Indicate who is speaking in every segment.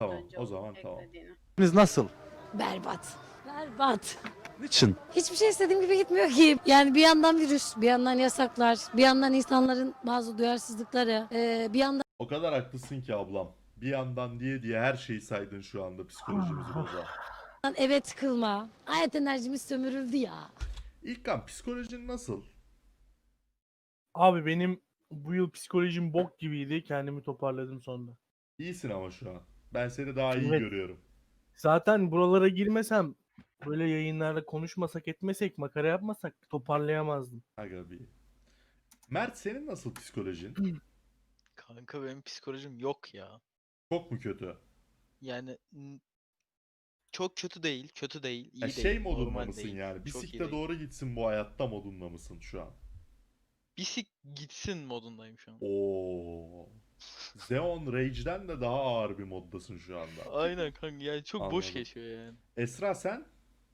Speaker 1: Tamam,
Speaker 2: Önce
Speaker 1: o
Speaker 2: onu
Speaker 1: zaman tamam.
Speaker 2: eklediğini.
Speaker 3: Biz nasıl?
Speaker 4: Berbat. Berbat.
Speaker 3: Niçin?
Speaker 4: Hiçbir şey istediğim gibi gitmiyor ki. Yani bir yandan virüs, bir yandan yasaklar, bir yandan insanların bazı duyarsızlıkları, bir yandan
Speaker 1: O kadar haklısın ki ablam. Bir yandan diye her şeyi saydın şu anda psikolojimizi bozan.
Speaker 4: eve tıkılma. Hayat enerjimiz sömürüldü ya.
Speaker 1: İlkan psikolojin nasıl?
Speaker 5: Abi benim bu yıl psikolojim bok gibiydi. Kendimi toparladım sonra.
Speaker 1: İyisin ama şu an. Ben seni daha iyi
Speaker 5: Evet.
Speaker 1: görüyorum.
Speaker 5: Zaten buralara girmesem, böyle yayınlarda konuşmasak etmesek, makara yapmasak toparlayamazdım.
Speaker 1: Aga bir. Mert senin nasıl psikolojin?
Speaker 6: Kanka benim psikolojim yok ya.
Speaker 1: Çok mu kötü?
Speaker 6: Yani çok kötü değil, kötü değil, iyi
Speaker 1: Ya
Speaker 6: değil,
Speaker 1: şey modunda
Speaker 6: normal
Speaker 1: mısın
Speaker 6: değil.
Speaker 1: yani?
Speaker 6: Çok iyi
Speaker 1: Bisikle
Speaker 6: değil.
Speaker 1: doğru gitsin bu hayatta modunda mısın şu an?
Speaker 6: Bisik gitsin modundayım şu an.
Speaker 1: Oo. Xeon Rage'den de daha ağır bir moddasın şu anda.
Speaker 6: Aynen kanka yani çok boş
Speaker 1: Anladım.
Speaker 6: geçiyor yani.
Speaker 1: Esra sen?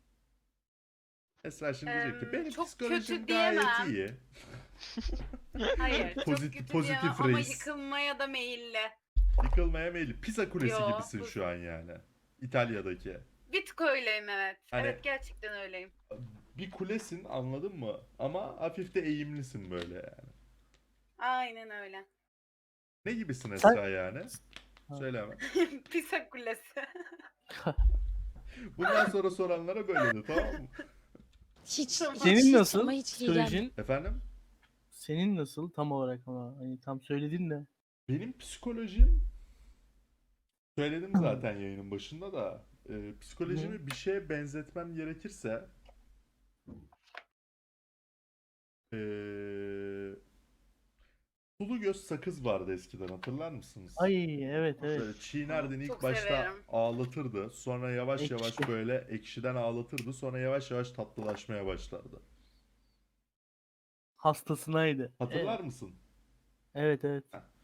Speaker 1: Esra şimdi diyecek ki benim
Speaker 2: Çok
Speaker 1: psikolojim
Speaker 2: kötü
Speaker 1: gayet
Speaker 2: diyemem.
Speaker 1: iyi.
Speaker 2: Hayır, çok
Speaker 1: Pozitif-
Speaker 2: kötü
Speaker 1: pozitif
Speaker 2: diyemem ama
Speaker 1: reis.
Speaker 2: yıkılmaya da meyilli.
Speaker 1: Yıkılmaya meyilli. Pisa Kulesi
Speaker 2: Yo,
Speaker 1: gibisin
Speaker 2: bu-
Speaker 1: şu an yani. İtalya'daki.
Speaker 2: Bir tık öyleyim evet.
Speaker 1: Hani-
Speaker 2: Evet gerçekten öyleyim.
Speaker 1: Bir kulesin anladın mı? Ama hafif de eğimlisin böyle yani.
Speaker 2: Aynen öyle.
Speaker 1: Ne gibisin
Speaker 5: Sen-
Speaker 1: Esra yani?
Speaker 5: Ha.
Speaker 1: Söyleme.
Speaker 2: Pisa kulesi.
Speaker 1: Bundan sonra soranlara böyle de tamam mı?
Speaker 4: Hiç,
Speaker 5: Senin
Speaker 4: hiç
Speaker 5: nasıl
Speaker 4: ama hiç iyi gelmiyor.
Speaker 5: psikolojin?
Speaker 1: Efendim?
Speaker 5: Senin nasıl tam olarak ama hani tam söyledin de.
Speaker 1: Benim psikolojim söyledim zaten yayının başında da psikolojimi bir şeye benzetmem gerekirse sulu göz sakız vardı eskiden hatırlar mısınız?
Speaker 5: Ay evet evet.
Speaker 1: Şöyle çiğnerdin ilk
Speaker 2: Çok
Speaker 1: başta
Speaker 2: severim.
Speaker 1: ağlatırdı. Sonra yavaş yavaş
Speaker 5: Ekşi.
Speaker 1: böyle ekşiden ağlatırdı. Sonra yavaş yavaş tatlılaşmaya başlardı.
Speaker 5: Hastasınaydı.
Speaker 1: Hatırlar mısın?
Speaker 5: Evet evet.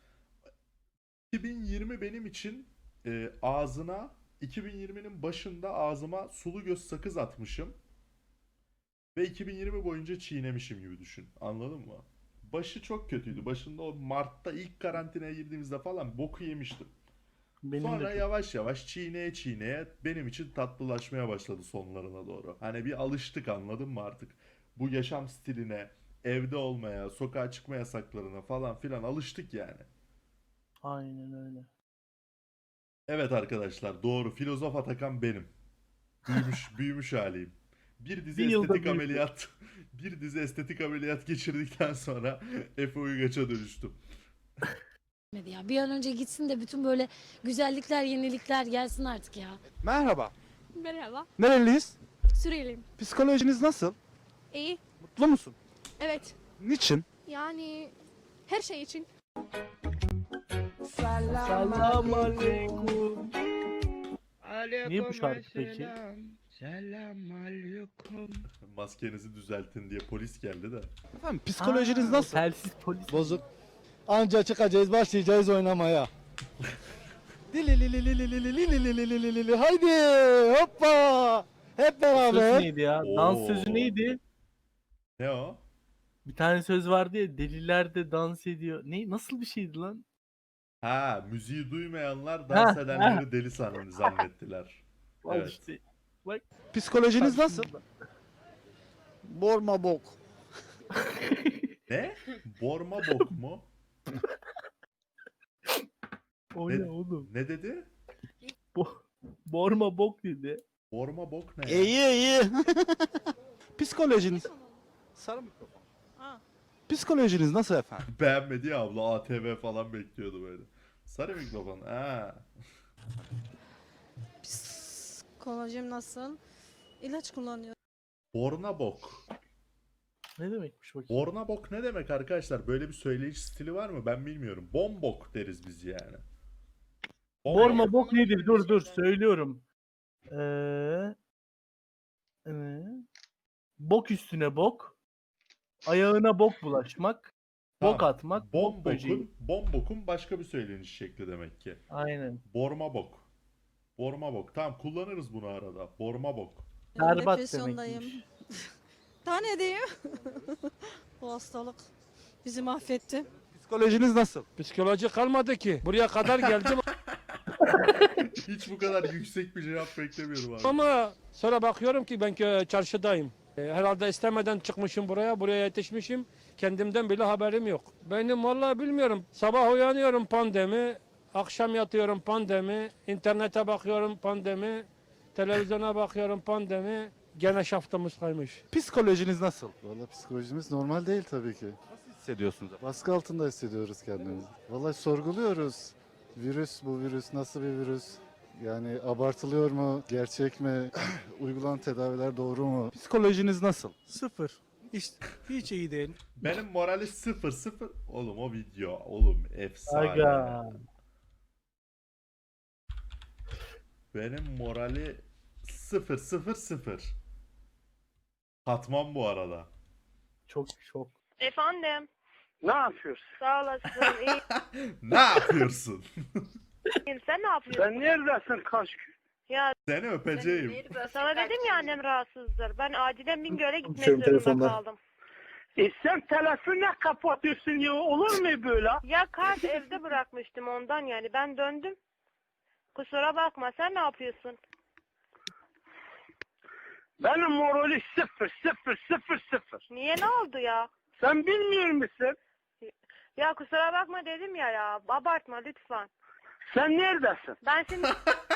Speaker 1: 2020 benim için ağzına 2020'nin başında ağzıma sulu göz sakız atmışım. Ve 2020 boyunca çiğnemişim gibi düşün. Anladın mı? Başı çok kötüydü. Başında o Mart'ta ilk karantinaya girdiğimizde falan boku yemiştim.
Speaker 5: Benim
Speaker 1: Sonra
Speaker 5: de çok-
Speaker 1: yavaş yavaş çiğneye çiğneye benim için tatlılaşmaya başladı sonlarına doğru. Hani bir alıştık anladın mı artık? Bu yaşam stiline, evde olmaya, sokağa çıkma yasaklarına falan filan alıştık yani.
Speaker 5: Aynen öyle.
Speaker 1: Evet arkadaşlar doğru filozof Atakan benim. Büyümüş haliyim. Bir dizi
Speaker 5: Bir yılda
Speaker 1: estetik
Speaker 5: büyüdü.
Speaker 1: ameliyat bir dizi estetik ameliyat geçirdikten sonra Efe Uygaç'a dönüştüm.
Speaker 4: Ya. Bir an önce gitsin de bütün böyle güzellikler, yenilikler gelsin artık ya.
Speaker 3: Merhaba.
Speaker 7: Merhaba,
Speaker 3: Nereliyiz?
Speaker 7: Suriyeliyim.
Speaker 3: Psikolojiniz nasıl?
Speaker 7: İyi,
Speaker 3: Mutlu musun?
Speaker 7: evet.
Speaker 3: Niçin?
Speaker 7: Yani her şey için.
Speaker 5: Selam aleyküm. Niye bu şarkı peki?
Speaker 1: Maskenizi düzeltin diye polis geldi de.
Speaker 3: Efendim psikolojiniz
Speaker 5: Aa,
Speaker 3: nasıl?
Speaker 5: Telsiz polis.
Speaker 8: Bozuk. Anca çıkacağız, başlayacağız oynamaya. Dililililililililililililililili. Haydi hoppa. Hep
Speaker 5: Söz
Speaker 8: beraber.
Speaker 5: neydi ya?
Speaker 1: Oo.
Speaker 5: Dans sözü neydi?
Speaker 1: Ne o?
Speaker 5: Bir tane söz vardı ya, deliler de dans ediyor. Ne, nasıl bir şeydi lan?
Speaker 1: Ha, müziği duymayanlar dans
Speaker 5: Ha,
Speaker 1: edenleri deli zannettiler.
Speaker 5: Al
Speaker 1: Evet.
Speaker 5: işte. Bak.
Speaker 3: Psikolojiniz nasıl?
Speaker 8: Borma bok.
Speaker 1: Ne? Borma bok mu?
Speaker 5: O
Speaker 1: Ne-
Speaker 5: ne oğlum?
Speaker 1: Ne dedi?
Speaker 5: Borma bok dedi.
Speaker 1: Borma bok ne? ya?
Speaker 8: İyi iyi.
Speaker 3: Psikolojiniz... Sarı mikrofon. Psikolojiniz nasıl efendim?
Speaker 1: Beğenmedi ya abla ATV falan bekliyordu böyle. Sarı mikrofon. Ha.
Speaker 9: Psikolojim nasıl? İlaç kullanıyorum.
Speaker 1: Borna bok.
Speaker 5: Ne demekmiş bakayım?
Speaker 1: Borna bok ne demek arkadaşlar? Böyle bir söyleyiş stili var mı? Ben bilmiyorum. Bombok deriz biz yani.
Speaker 5: Borma bok
Speaker 2: Onun
Speaker 5: nedir?
Speaker 2: gibi
Speaker 5: Dur
Speaker 2: bir
Speaker 5: dur
Speaker 2: şey.
Speaker 5: söylüyorum. Bok üstüne bok. Ayağına bok bulaşmak. Bok
Speaker 1: Tamam.
Speaker 5: atmak. Bok böceği.
Speaker 1: Bombokun başka bir söyleniş şekli demek ki.
Speaker 5: Aynen.
Speaker 1: Borma bok. Borma bok. Tamam kullanırız bunu arada. Borma bok.
Speaker 5: Berbat
Speaker 9: Depresyondayım.
Speaker 5: demekmiş.
Speaker 9: Tane diyeyim. Bu hastalık bizi mahvetti.
Speaker 3: Psikolojiniz nasıl?
Speaker 8: Psikoloji kalmadı ki. Buraya kadar geldim.
Speaker 1: Hiç bu kadar yüksek bir cevap beklemiyordum abi.
Speaker 10: Ama sonra bakıyorum ki ben çarşıdayım. Herhalde istemeden çıkmışım buraya yetişmişim. Kendimden bile haberim yok. Benim vallahi bilmiyorum. Sabah uyanıyorum pandemi, akşam yatıyorum pandemi, internete bakıyorum pandemi, televizyona bakıyorum pandemi. Gene şaftımız kaymış.
Speaker 3: Psikolojiniz nasıl?
Speaker 8: Vallahi psikolojimiz normal değil tabii ki.
Speaker 3: Nasıl hissediyorsunuz?
Speaker 8: Baskı altında hissediyoruz kendimizi. Vallahi sorguluyoruz. Bu virüs nasıl bir virüs? Yani abartılıyor mu? Gerçek mi? Uygulanan tedaviler doğru mu?
Speaker 3: Psikolojiniz nasıl?
Speaker 5: Sıfır. Hiç iyi değil.
Speaker 1: Benim morali 0-0. Oğlum o video. Oğlum efsane.
Speaker 5: Aga.
Speaker 1: Benim morali 0-0-0. Katman bu arada.
Speaker 5: Çok.
Speaker 2: Efendim.
Speaker 11: Ne yapıyorsun?
Speaker 2: Sağ olasın.
Speaker 1: Ne yapıyorsun?
Speaker 2: İyiyim. Sen ne yapıyorsun?
Speaker 11: Sen neredesin kaç gün?
Speaker 2: Ya
Speaker 1: Seni öpeceğim.
Speaker 2: sana dedim ya annem rahatsızdır. Ben acilen Bingöl'e gitmek zorunda kaldım.
Speaker 11: Sen telefonu kapatıyorsun ya, olur mu böyle?
Speaker 2: Ya kart evde bırakmıştım ondan yani. Ben döndüm. Kusura bakma. Sen ne yapıyorsun?
Speaker 11: Benim morali 0.
Speaker 2: Niye, ne oldu ya?
Speaker 11: Sen bilmiyor musun?
Speaker 2: Ya kusura bakma dedim ya. Abartma lütfen.
Speaker 11: Sen neredesin?
Speaker 2: Ben şimdi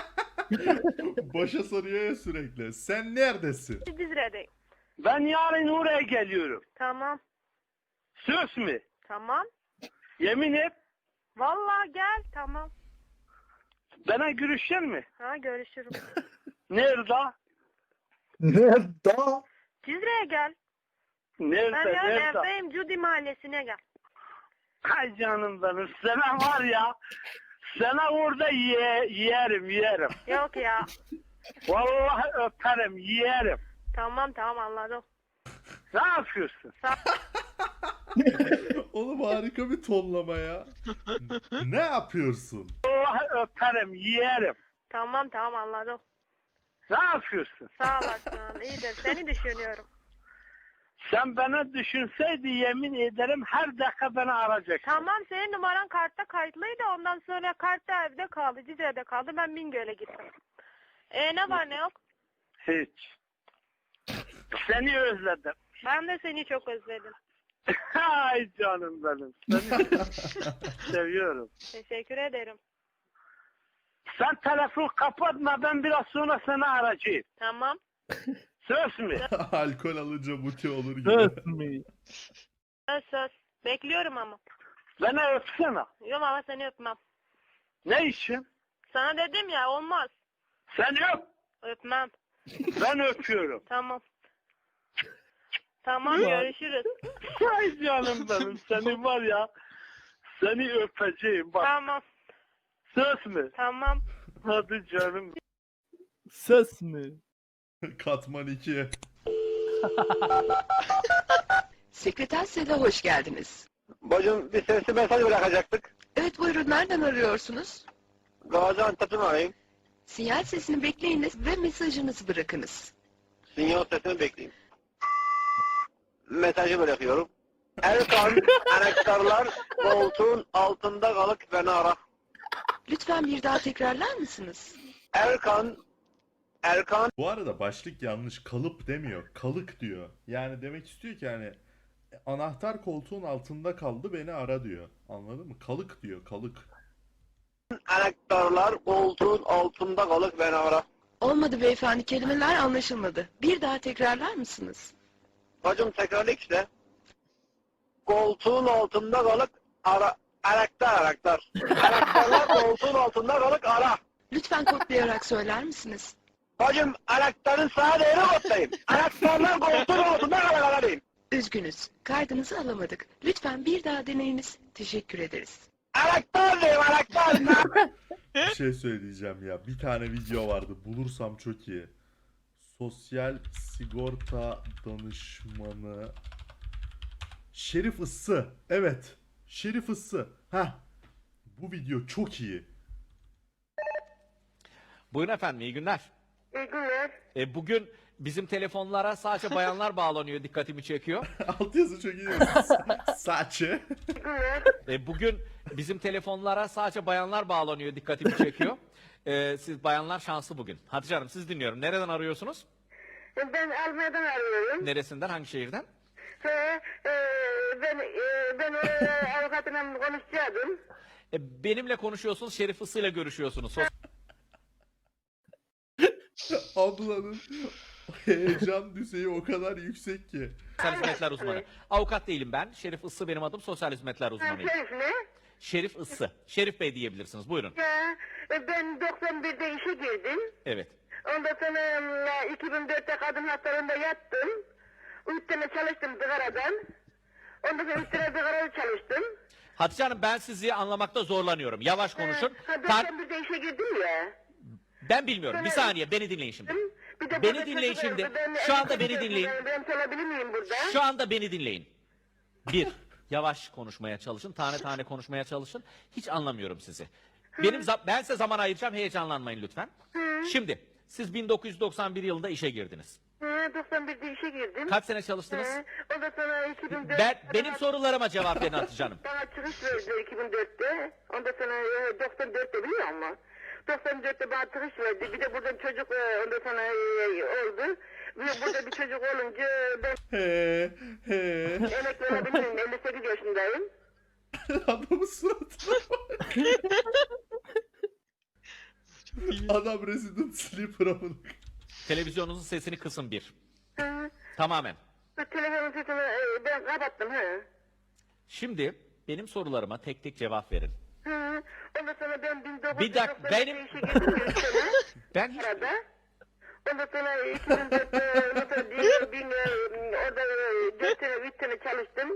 Speaker 1: Başa soruyor ya sürekli. Sen neredesin?
Speaker 2: Dizre'deyim.
Speaker 11: Ben yarın oraya geliyorum.
Speaker 2: Tamam.
Speaker 11: Söz mü?
Speaker 2: Tamam.
Speaker 11: Yemin et.
Speaker 2: Vallahi gel. Tamam.
Speaker 11: Bana görüşecek mi?
Speaker 2: Ha, görüşürüz.
Speaker 11: Nerede?
Speaker 3: Nerede?
Speaker 2: Cizre'ye gel.
Speaker 11: Nerede?
Speaker 2: Ben yarın
Speaker 11: Nerede?
Speaker 2: evdeyim. Cudi mahallesine gel.
Speaker 11: Ay canım benim. Sana var ya. Sana orada yerim.
Speaker 2: Yok ya.
Speaker 11: Vallahi öperim, yerim.
Speaker 2: Tamam anladım.
Speaker 11: Ne yapıyorsun?
Speaker 1: Oğlum harika bir tonlama ya. Ne yapıyorsun?
Speaker 11: Vallahi öperim, yerim.
Speaker 2: Tamam anladım.
Speaker 11: Ne yapıyorsun?
Speaker 2: Sağ olasın. İyidir. Seni düşünüyorum.
Speaker 11: Sen bana düşünseydi yemin ederim her dakika beni arayacaksın.
Speaker 2: Tamam, senin numaran kartta kayıtlıydı. Ondan sonra kart da evde kaldı. Cizre'de kaldı. Ben Bingöl'e gittim. Ne var ne yok?
Speaker 11: Hiç. Seni özledim.
Speaker 2: Ben de seni çok özledim.
Speaker 11: Ay canım benim. Seni seviyorum.
Speaker 2: Teşekkür ederim.
Speaker 11: Sen telefon kapatma, ben biraz sonra seni arayacağım.
Speaker 2: Tamam.
Speaker 11: Söz mü?
Speaker 1: Alkol alınca muti olur gibi.
Speaker 5: Söz mü?
Speaker 2: Söz. Bekliyorum ama.
Speaker 11: Beni öpsene.
Speaker 2: Yok ama seni öpmem.
Speaker 11: Ne için?
Speaker 2: Sana dedim ya, olmaz.
Speaker 11: Sen öp.
Speaker 2: Öpmem.
Speaker 11: Ben öpüyorum.
Speaker 2: Tamam. Tamam, görüşürüz.
Speaker 11: Ay canım benim, seni var ya. Seni öpeceğim bak.
Speaker 2: Tamam.
Speaker 11: Söz mü?
Speaker 2: Tamam.
Speaker 11: Hadi canım.
Speaker 5: Söz mü?
Speaker 1: Katman 2.
Speaker 12: Sekreter Seda, hoş geldiniz.
Speaker 11: Bacım, bir sesli mesaj bırakacaktık.
Speaker 12: Evet, buyurun, nereden arıyorsunuz?
Speaker 11: Gaziantep'ten arayayım.
Speaker 12: Sinyal sesini bekleyiniz ve mesajınızı bırakınız.
Speaker 11: Sinyal sesini bekleyeyim. Mesajı bırakıyorum. Erkan, anahtarlar koltuğun altında kalıp beni ara.
Speaker 12: Lütfen bir daha tekrarlar mısınız?
Speaker 11: Erkan.
Speaker 1: Bu arada başlık yanlış. Kalıp demiyor. Kalık diyor. Yani demek istiyor ki hani anahtar koltuğun altında kaldı, beni ara diyor. Anladın mı? Kalık diyor. Kalık.
Speaker 11: Anahtarlar koltuğun altında kalıp beni ara.
Speaker 12: Olmadı beyefendi, kelimeler anlaşılmadı. Bir daha tekrarlar mısınız?
Speaker 11: Bacım tekrarla işte. Koltuğun altında kalıp ara. Anahtarlar koltuğun altında kalıp ara.
Speaker 12: Lütfen kodlayarak söyler misiniz?
Speaker 11: Bacım, anahtarın sağa değeri kodlayayım. Anahtarlar koltuğun altında kalıp ara diyeyim.
Speaker 12: Üzgünüz, kaydınızı alamadık. Lütfen bir daha deneyiniz. Teşekkür ederiz.
Speaker 11: Anahtar diyeyim, anahtar.
Speaker 1: Bir şey söyleyeceğim ya. Bir tane video vardı. Bulursam çok iyi. Sosyal sigorta danışmanı Şerif Issı. Evet. Şerif Issı. Heh. Bu video çok iyi.
Speaker 10: Buyurun efendim, iyi günler.
Speaker 2: İyi günler.
Speaker 10: Bugün bizim telefonlara sadece bayanlar bağlanıyor, dikkatimi çekiyor.
Speaker 1: Altyazı çok iyi. Saçı.
Speaker 10: Bugün bizim telefonlara sadece bayanlar bağlanıyor, dikkatimi çekiyor.
Speaker 13: Siz bayanlar şanslı bugün. Hatice Hanım siz dinliyorum. Nereden arıyorsunuz?
Speaker 2: Ben Almanya'dan arıyorum.
Speaker 13: Neresinden? Hangi şehirden?
Speaker 2: Ben avukatımla konuşacaktım.
Speaker 13: Benimle konuşuyorsunuz. Şerif Isı ile görüşüyorsunuz.
Speaker 1: Ablanın heyecan düzeyi o kadar yüksek ki.
Speaker 13: Sosyal hizmetler uzmanı. Avukat değilim ben. Şerif Isı benim adım. Sosyal hizmetler uzmanıyım.
Speaker 2: Ne?
Speaker 13: Şerif Isı. Şerif Bey diyebilirsiniz. Buyurun.
Speaker 2: Ben 91'de işe girdim.
Speaker 13: Evet.
Speaker 2: Ondan sonra 2004'te kadın hastalığında yattım. 3 sene çalıştım zıgaradan. Ondan sonra 3 sene zıgarada çalıştım.
Speaker 13: Hatice Hanım ben sizi anlamakta zorlanıyorum. Yavaş konuşun.
Speaker 2: 91'de işe girdim ya.
Speaker 13: Ben bilmiyorum. Bir saniye beni dinleyin şimdi.
Speaker 2: Bir de
Speaker 13: Beni
Speaker 2: burada
Speaker 13: dinleyin
Speaker 2: çocuk
Speaker 13: şimdi.
Speaker 2: vardı. Ben
Speaker 13: Şu anda
Speaker 2: elbise
Speaker 13: beni dinleyin.
Speaker 2: Ben çalabilir miyim burada?
Speaker 13: Şu anda beni dinleyin. Bir, yavaş konuşmaya çalışın. Tane tane konuşmaya çalışın. Hiç anlamıyorum sizi. Ben size zaman ayıracağım. Heyecanlanmayın lütfen. Şimdi siz 1991 yılında işe girdiniz.
Speaker 2: 91'de işe girdim.
Speaker 13: Kaç sene çalıştınız?
Speaker 2: Ondan sonra 2004'te...
Speaker 13: Benim sorularıma cevap verin Hatice Hanım.
Speaker 2: Bana çıkış verdiler 2004'te. Ondan sonra 94'te biliyor musun? 94'te bana çıkış verdi. Bir de buradan çocuk ondan sonra oldu. Burada bir çocuk olunca ben emekli olabilirim. 58 yaşındayım.
Speaker 1: Adamın suratına bak. Adam Resident Sleeper'a bunu.
Speaker 13: Televizyonunuzun sesini kısın bir. Tamamen.
Speaker 2: Telefonun sesini ben kapattım.
Speaker 13: Şimdi benim sorularıma tek tek cevap verin.
Speaker 2: Ondan sonra ben 1990'da
Speaker 13: Bir dakika, benim-
Speaker 2: işe girdim bir sene.
Speaker 13: Ben hiç...
Speaker 2: Arada. Ondan sonra 2004'te orada 4 sene 3 sene çalıştım.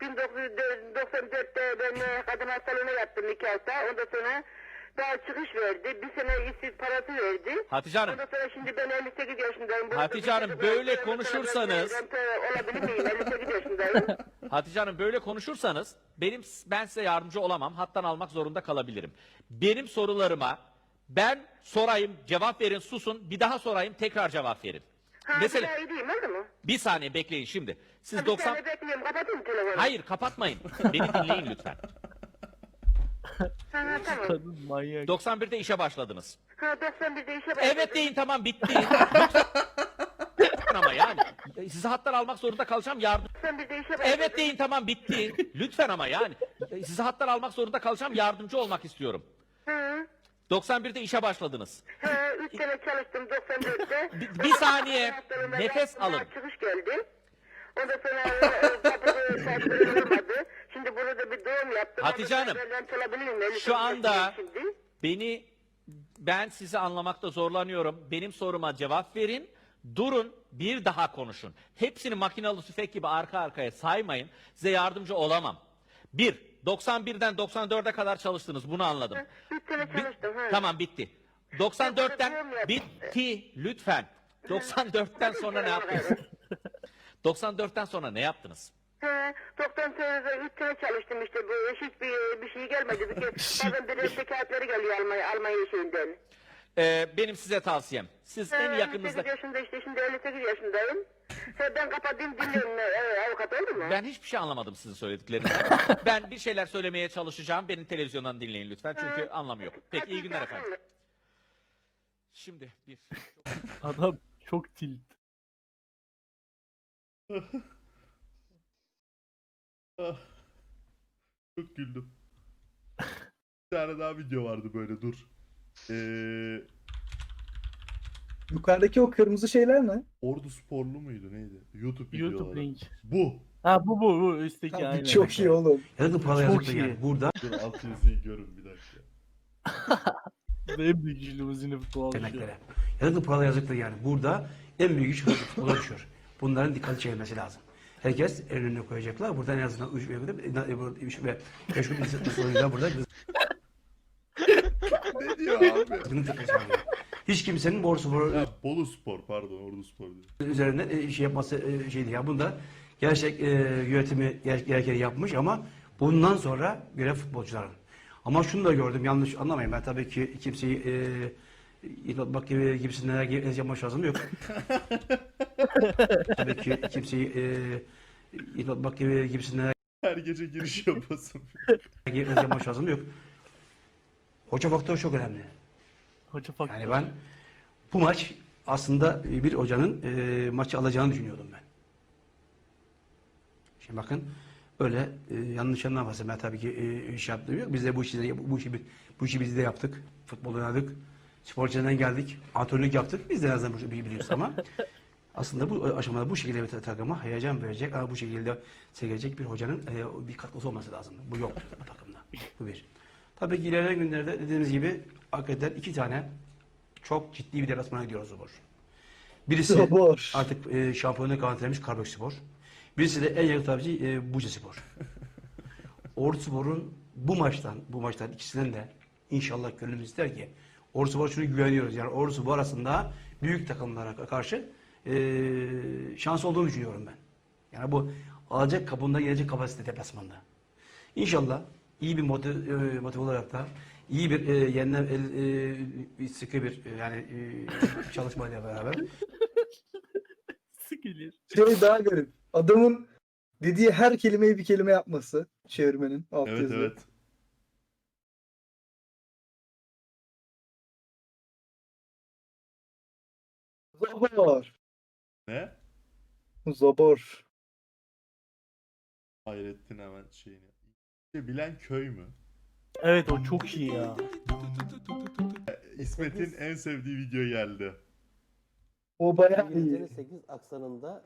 Speaker 2: 1994'te ben kadın hastalığına yattım 2 hafta. Ondan sonra daha çıkış verdi. Bir sene işsiz parası verdi.
Speaker 13: Hatice Hanım.
Speaker 2: Ondan sonra şimdi ben 58 yaşındayım.
Speaker 13: Hatice Hanım, böyle konuşursanız-
Speaker 2: Olabilir miyim? 58 yaşındayım.
Speaker 13: Hatice Hanım böyle konuşursanız ben size yardımcı olamam. Hattan almak zorunda kalabilirim. Benim sorularıma ben sorayım, cevap verin, susun. Bir daha sorayım, tekrar cevap verin. Mesela
Speaker 2: Bir daha edeyim oldu mu?
Speaker 13: bir saniye bekleyin şimdi. Siz
Speaker 2: Bir
Speaker 13: 90
Speaker 2: saniye bekliyorum. Kapatayım mı telefonu?
Speaker 13: Hayır, kapatmayın. Beni dinleyin lütfen.
Speaker 2: Tamam.
Speaker 5: Kadın manyak.
Speaker 13: 91'de işe başladınız.
Speaker 2: 91'de işe başladım.
Speaker 13: Evet deyin, tamam, bitti. Lütfen ama yani. Sizi hattan almak zorunda kalacağım, yardım.
Speaker 2: 91'de işe başladım.
Speaker 13: Evet deyin, tamam, bitti. Lütfen ama yani. Sizi hattan almak zorunda kalacağım, yardımcı olmak istiyorum. 91'de işe başladınız.
Speaker 2: 3 sene çalıştım 94'te.
Speaker 13: Bir saniye,
Speaker 2: Hastalığımda
Speaker 13: nefes
Speaker 2: daha
Speaker 13: alın.
Speaker 2: Çıkış geldi. Ondan sonra kapıda saçları olmadı. Şimdi burada bir doğum yaptım.
Speaker 13: Hatice
Speaker 2: Ondan
Speaker 13: Hanım,
Speaker 2: sonra ben çalabilirim. 58
Speaker 13: şu anda
Speaker 2: yaşındayım şimdi.
Speaker 13: ben sizi anlamakta zorlanıyorum. Benim soruma cevap verin. Durun, bir daha konuşun. Hepsini makinalı tüfek gibi arka arkaya saymayın. Size yardımcı olamam. 91'den 94'e kadar çalıştınız. Bunu anladım.
Speaker 2: 3 sene çalıştım.
Speaker 13: Tamam, bitti. 94'ten bitti. Lütfen. 94'ten sonra ne yaptınız? 94'ten sonra ne yaptınız?
Speaker 2: 94'de 3 sene çalıştım işte. Bu hiçbir şey gelmedi. Bir kez bazen bir şikayetleri geliyor Almanya şeyinden.
Speaker 13: Benim size tavsiyem. Siz en yakınınızda...
Speaker 2: 58 yaşında işte şimdi 58 yaşındayım. Ben kapatayım dinliyorum avukat oldu mu?
Speaker 13: Ben hiçbir şey anlamadım sizin söylediklerinizden. Ben bir şeyler söylemeye çalışacağım. Beni televizyondan dinleyin lütfen. Çünkü anlamı yok. Peki, iyi günler efendim. Şimdi bir...
Speaker 5: Adam çok tilt.
Speaker 1: Ah. Çok güldüm. Bir tane daha video vardı böyle, dur.
Speaker 3: Yukarıdaki o kırmızı şeyler ne?
Speaker 1: Ordu Sporlu muydu neydi? YouTube videoları.
Speaker 5: YouTube link.
Speaker 1: Bu.
Speaker 5: Ha bu üstteki
Speaker 3: Abi
Speaker 5: aynen.
Speaker 3: çok iyi oğlum.
Speaker 5: Çok iyi.
Speaker 3: Burada
Speaker 1: Dur, alt yazıyı görün bir dakika.
Speaker 5: En büyük limuzini futbol
Speaker 3: demeklere. Yargı paralı yazıklı yani. Burada en büyük iş futbola düşüyor. Bunların dikkati çekilmesi lazım. Herkes önüne koyacaklar. Buradan en azından 3 ve 5 gün soruyla burada
Speaker 1: Ne diyor abi?
Speaker 3: hiç kimsenin borsu
Speaker 1: Ha, Bolu Spor, pardon, Ordu Spor diyor.
Speaker 3: üzerinden şey yapması şeydi ya. Bunda gerçek yönetimi gereken yapmış ama bundan sonra görev futbolcuların. Ama şunu da gördüm, yanlış anlamayın, ben tabii ki kimseyi bak gibisinden yapma şansım yok. Tabii ki kimseyi bak gibisinden
Speaker 1: Her gece giriş yapasın.
Speaker 3: yapma şansım yok. Hoca faktörü çok önemli.
Speaker 5: Hoca faktör.
Speaker 3: Yani ben bu maç aslında bir hocanın maçı alacağını düşünüyordum ben. Şimdi bakın böyle yanlış anlamasın, ben tabii ki şey yaptığım yok. Biz de bu işi biz de yaptık. Futbol oynadık. Sporcularından geldik. Antrenörlük yaptık. Biz de en azından bu işi biliyoruz ama aslında bu aşamada bu şekilde bir takıma heyecan verecek ama bu şekilde sevecek bir hocanın bir katkısı olması lazım. Bu yok bu takımda. Bu bir. Tabii ki ilerleyen günlerde dediğimiz gibi hakikaten 2 tane çok ciddi bir deplasmana gidiyoruz Zobor. Birisi
Speaker 5: Zobor.
Speaker 3: artık şampiyonluğu garantilemiş Karabükspor. Birisi de en yakın tabici Bucaspor. Orduspor'un bu maçtan ikisinden de inşallah gönlümüz ister ki Orduspor şunu güveniyoruz. Yani Orduspor arasında büyük takımlara karşı şans olduğunu düşünüyorum ben. Yani bu alacak kapında gelecek kapasite deplasmanda. İnşallah iyi bir motive olarak da iyi bir sıkı bir çalışmayla beraber
Speaker 5: Sıkılır.
Speaker 14: Şey daha garip. Adamın dediği her kelimeyi bir kelime yapması. Çevirmenin alt
Speaker 1: Evet
Speaker 14: yazılı.
Speaker 1: evet.
Speaker 14: Zabor.
Speaker 1: Ne?
Speaker 14: Zabor.
Speaker 1: Hayrettin hemen şeyini. Bilen köy mü?
Speaker 5: Evet, o çok iyi ya.
Speaker 1: İsmet'in en sevdiği video geldi.
Speaker 14: O bayağı iyi.
Speaker 15: İngilizcenin 8 aksanında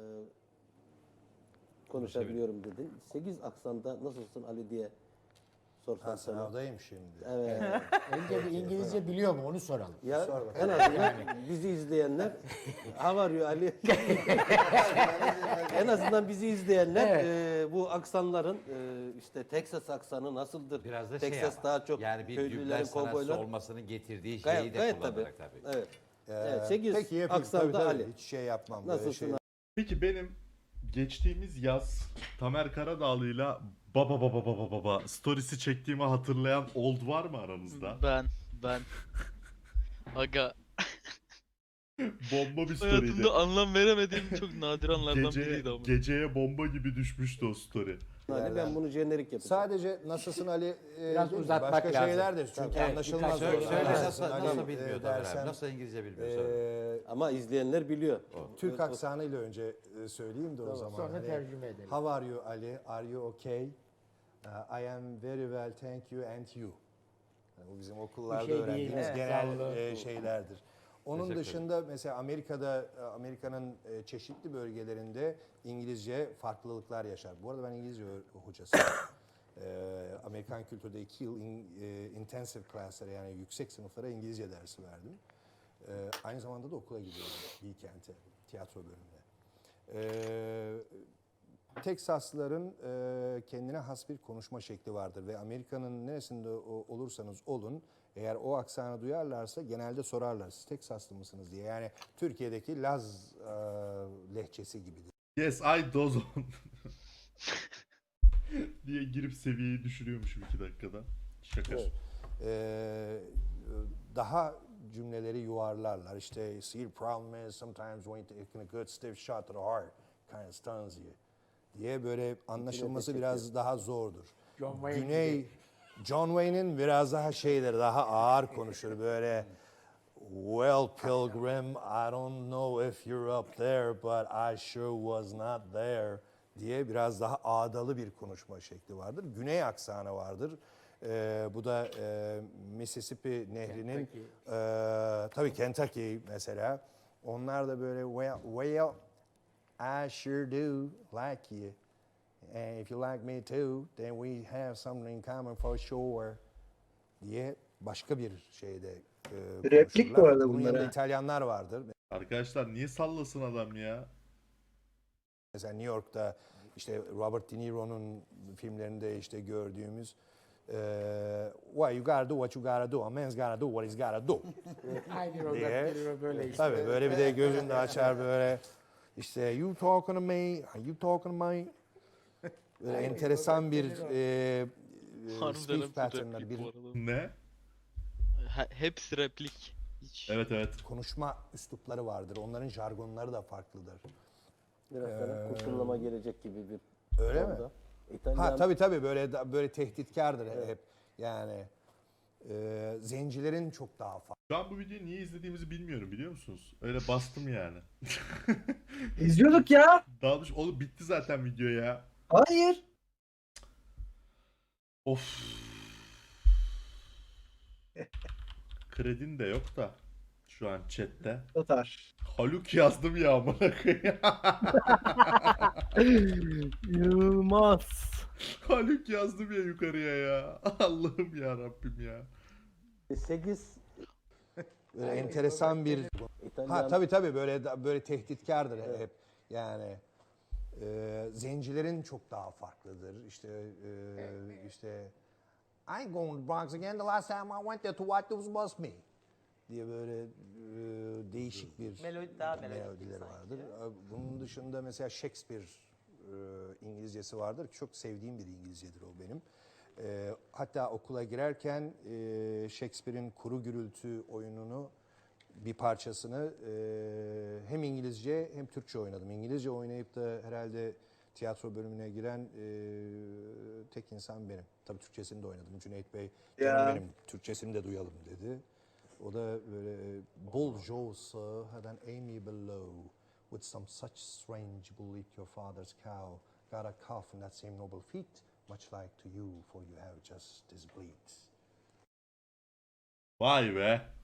Speaker 15: konuşabiliyorum dedin. 8 aksanda nasılsın Ali diye sorsam sana.
Speaker 16: Sınavdayım şimdi.
Speaker 15: Evet.
Speaker 16: Önce bir İngilizce biliyor mu onu soralım.
Speaker 15: Ya
Speaker 16: Sor bakalım.
Speaker 15: en azından bizi izleyenler how are you Ali? En azından bizi izleyenler bu aksanların işte Texas aksanı nasıldır?
Speaker 16: Biraz da
Speaker 15: Texas
Speaker 16: ama,
Speaker 15: daha çok
Speaker 16: yani bir
Speaker 15: köylülerin,
Speaker 16: dublaj sanatçısı
Speaker 15: kovboylar.
Speaker 16: olmasının getirdiği şeyi de
Speaker 15: Gayet
Speaker 16: kullanarak tabii.
Speaker 15: Evet. Evet, 8
Speaker 16: Peki yapayım.
Speaker 15: aksanda
Speaker 16: Tabii,
Speaker 15: Ali.
Speaker 16: hiç şey yapmam.
Speaker 15: Nasılsın
Speaker 16: Böyle
Speaker 1: Peki benim geçtiğimiz yaz Tamer Karadağlı'yla baba storiesi çektiğimi hatırlayan old var mı aranızda?
Speaker 6: Ben. Aga.
Speaker 1: Bomba bir story'ydi.
Speaker 6: Hayatımda anlam veremediğim çok nadir anlardan biriydi ama.
Speaker 1: Geceye bomba gibi düşmüştü o story.
Speaker 15: Ali ben bunu jenerik yapacağım.
Speaker 16: Sadece nasılsın Ali?
Speaker 14: Biraz
Speaker 16: değil mi?
Speaker 14: uzatmak
Speaker 16: Başka
Speaker 14: lazım.
Speaker 16: şeyler de çünkü anlaşılmaz.
Speaker 15: söyle,
Speaker 16: olur.
Speaker 15: söyle.
Speaker 16: Nasılsın
Speaker 15: Nasıl
Speaker 16: Ali,
Speaker 15: bilmiyor
Speaker 16: dersen,
Speaker 15: Nasıl
Speaker 16: İngilizce bilmiyor
Speaker 15: Ama izleyenler biliyor.
Speaker 16: Türk aksanıyla önce söyleyeyim de o zaman.
Speaker 14: Sonra tercüme edelim.
Speaker 16: How are you Ali? Are you okay? I am very well, thank you and you. Yani bu bizim okullarda
Speaker 14: şey değil,
Speaker 16: öğrendiğimiz
Speaker 14: evet,
Speaker 16: genel
Speaker 14: sağ olun.
Speaker 16: şeylerdir. Onun dışında mesela Amerika'nın çeşitli bölgelerinde İngilizce farklılıklar yaşar. Bu arada ben İngilizce hocasıyım. Amerikan kültürde 2 yıl intensive class'lara yani yüksek sınıflara İngilizce dersi verdim. Aynı zamanda da okula gidiyorum Bilkent'e, tiyatro bölümüne. Teksaslıların kendine has bir konuşma şekli vardır ve Amerika'nın neresinde olursanız olun eğer o aksanı duyarlarsa genelde sorarlar siz Teksaslı mısınız diye. Yani Türkiye'deki Laz lehçesi gibidir.
Speaker 1: Yes I dozon. diye girip seviyeyi düşürüyormuşum 2 dakikada. Şaka.
Speaker 16: Evet. Daha cümleleri yuvarlarlar. İşte see the problem is sometimes when you take a good stiff shot to the heart kind of stuns you diye böyle anlaşılması biraz daha zordur. John Wayne'in biraz daha şeyleri daha ağır konuşur böyle well pilgrim I don't know if you're up there but I sure was not there diye biraz daha ağdalı bir konuşma şekli vardır. Güney aksanı vardır. Bu da Mississippi Nehri'nin tabii Kentucky mesela. Onlar da böyle well I sure do like you. And if you like me too, then we have something in common for sure diye başka bir şeyde
Speaker 14: Replik bu arada
Speaker 16: bunun
Speaker 14: bunlar.
Speaker 16: yanında İtalyanlar vardır.
Speaker 1: Arkadaşlar niye sallasın adam ya?
Speaker 16: Mesela New York'ta işte Robert De Niro'nun filmlerinde işte gördüğümüz well you gotta do what you gotta do. A man's gotta do what he's gotta do.
Speaker 14: Aynı Robert De Niro böyle işte.
Speaker 16: Tabii böyle bir de gözünü de açar böyle işte you talking to me, are you talking to me? Böyle enteresan bir speech pattern'lar bir
Speaker 1: Ne?
Speaker 6: Hepsi replik. Hiç.
Speaker 1: Evet.
Speaker 16: konuşma üslupları vardır. Onların jargonları da farklıdır.
Speaker 15: Biraz sana kurşunlama gelecek gibi bir
Speaker 16: Öyle mi?
Speaker 15: İtalyan...
Speaker 16: Ha tabii böyle böyle tehditkardır hep. Yani Zencilerin çok daha farklı.
Speaker 1: Şu an bu videoyu niye izlediğimizi bilmiyorum, biliyor musunuz? Öyle bastım yani.
Speaker 14: İzliyorduk ya.
Speaker 1: Daha doğrusu oğlum bitti zaten video ya.
Speaker 14: Hayır.
Speaker 1: Of. Kredin de yok da şu an chatte.
Speaker 14: Tatar.
Speaker 1: Haluk yazdım ya amına koyayım.
Speaker 5: İnanılmaz.
Speaker 1: Haluk yazdım ya yukarıya ya. Allah'ım ya Rabbim ya.
Speaker 15: 8
Speaker 16: Böyle enteresan bir... Ha tabii böyle tehditkardır hep. Yani zencilerin çok daha farklıdır. İşte I ain't going to the Bronx again. The last time I went there to watch those was me diye böyle değişik bir melodileri vardır. Bunun dışında mesela Shakespeare İngilizcesi vardır. Çok sevdiğim bir İngilizcedir o benim. Hatta okula girerken Shakespeare'in Kuru Gürültü oyununu bir parçasını hem İngilizce hem Türkçe oynadım. İngilizce oynayıp da herhalde tiyatro bölümüne giren tek insan benim. Tabii Türkçesini de oynadım. Cüneyt Bey benim Türkçesini de duyalım dedi. O da böyle Bull Joe's had an Amy below with some such strange will eat your father's cow. Got a calf in that same noble feet, much like to you, for you have just this bleat.
Speaker 1: Vay be.